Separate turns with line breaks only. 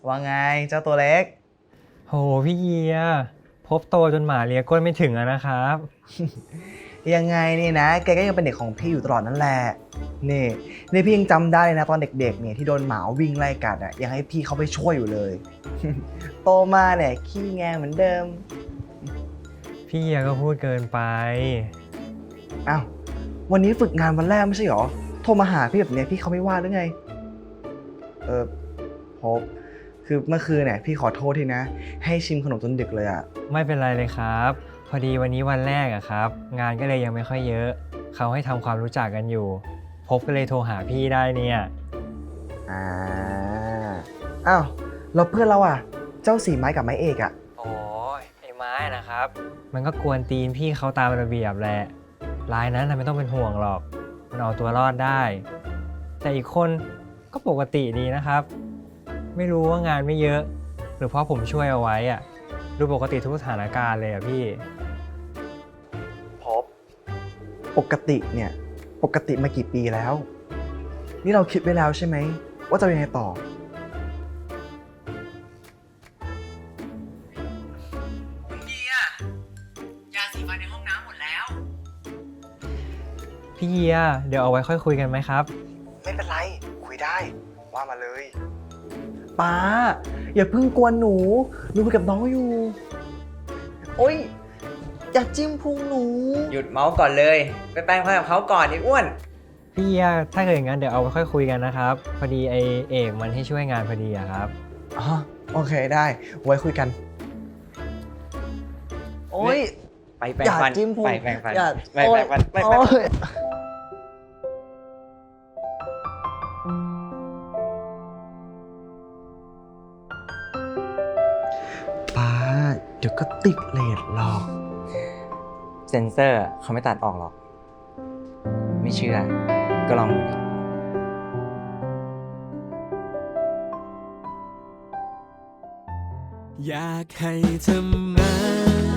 ว่าไงเจ้าตัวเล็ก
โหพี่เยียพบโตจนหมาเลียก้นไม่ถึงอะนะครับ
ยังไงนี่นะแกก็ยังเป็นเด็กของพี่อยู่ตลอดนั่นแหละนี่นี่พี่ยังจำได้เลยนะตอนเด็กๆเนี่ยที่โดนหมาวิ่งไล่กัดอ่ะยังให้พี่เขาไปช่วยอยู่เลย โตมาเนี่ยขี้แงเหมือนเดิม
พี่เยียก็พูดเกินไป
อ้าววันนี้ฝึกงานวันแรกไม่ใช่หรอโทรมาหาพี่แบบเนี้ยพี่เขาไม่ว่าหรือไงโฮปคือเมื่อคืนเนี่ยพี่ขอโทษทีนะให้ชิมขนมจนดึกเลยอ่ะ
ไม่เป็นไรเลยครับ พอดีวันนี้วันแรกอะครับ งานก็เลยยังไม่ค่อยเยอะ เขาให้ทำความรู้จักกันอยู่ พบก็เลยโทรหาพี่ได้เนี่ย
อ่าอ้าวแล้วเพื่อนเราอ่ะเจ้าสีไม้กับไม้เอกอ่ะ
โอ้ยไอ้ไม้นะครับ มันก็กวนตีนพี่เขาตามระเบียบแหละรายนั้นน่ะไม่ต้องเป็นห่วงหรอก มันเอาตัวรอดได้ แต่อีกคนก็ปกติดีนะครับ ไม่รู้ว่างานไม่เยอะ หรือเพราะผมช่วยเอาไว้อะดูปกติทุกสถานการณ์เลยอะพี่
พบปกติเนี่ยปกติมากี่ปีแล้ว นี่เราคิดไว้แล้วใช่ไหมว่าจะยังไงต่อเดียยาสีฟันในห้องน้ำหมดแล้ว
พี่เยียเดี๋ยวเอาไว้ค่อยคุยกันไหมครับ
ไม่เป็นไร คุยได้ ว่ามาเลยป้าอย่าเพิ่งกวนหนูคุยกับน้องอยู่ โอ๊ย อย่าจิ้มพุงหนู
หยุดเมาส์ก่อนเลย ไปแปลงฟันกับเขาก่อนไอ้อ้วน
พี่เยียถ้าเกิดอย่างนั้นเดี๋ยวเอาไว้ค่อยคุยกันนะครับ พอดีไอเอกมันให้ช่วยงานพอดีอะครับ
อ๋อ โอเคได้ ไว้คุยกัน โอ๊ย
ไปแปล
อง ย่า
ฟัน
จิ้มพุง
ไปแปลงฟัน
อย่า
ไปแปลงฟันไปแปลงฟัน
โอ๊ยป้าเดี๋ยวก็ติดเลทหรอก
เซนเซอร์เขาไม่ตัดออกหรอก ไม่เชื่อ ก็ลองดูดิ
อยากให้เธอมา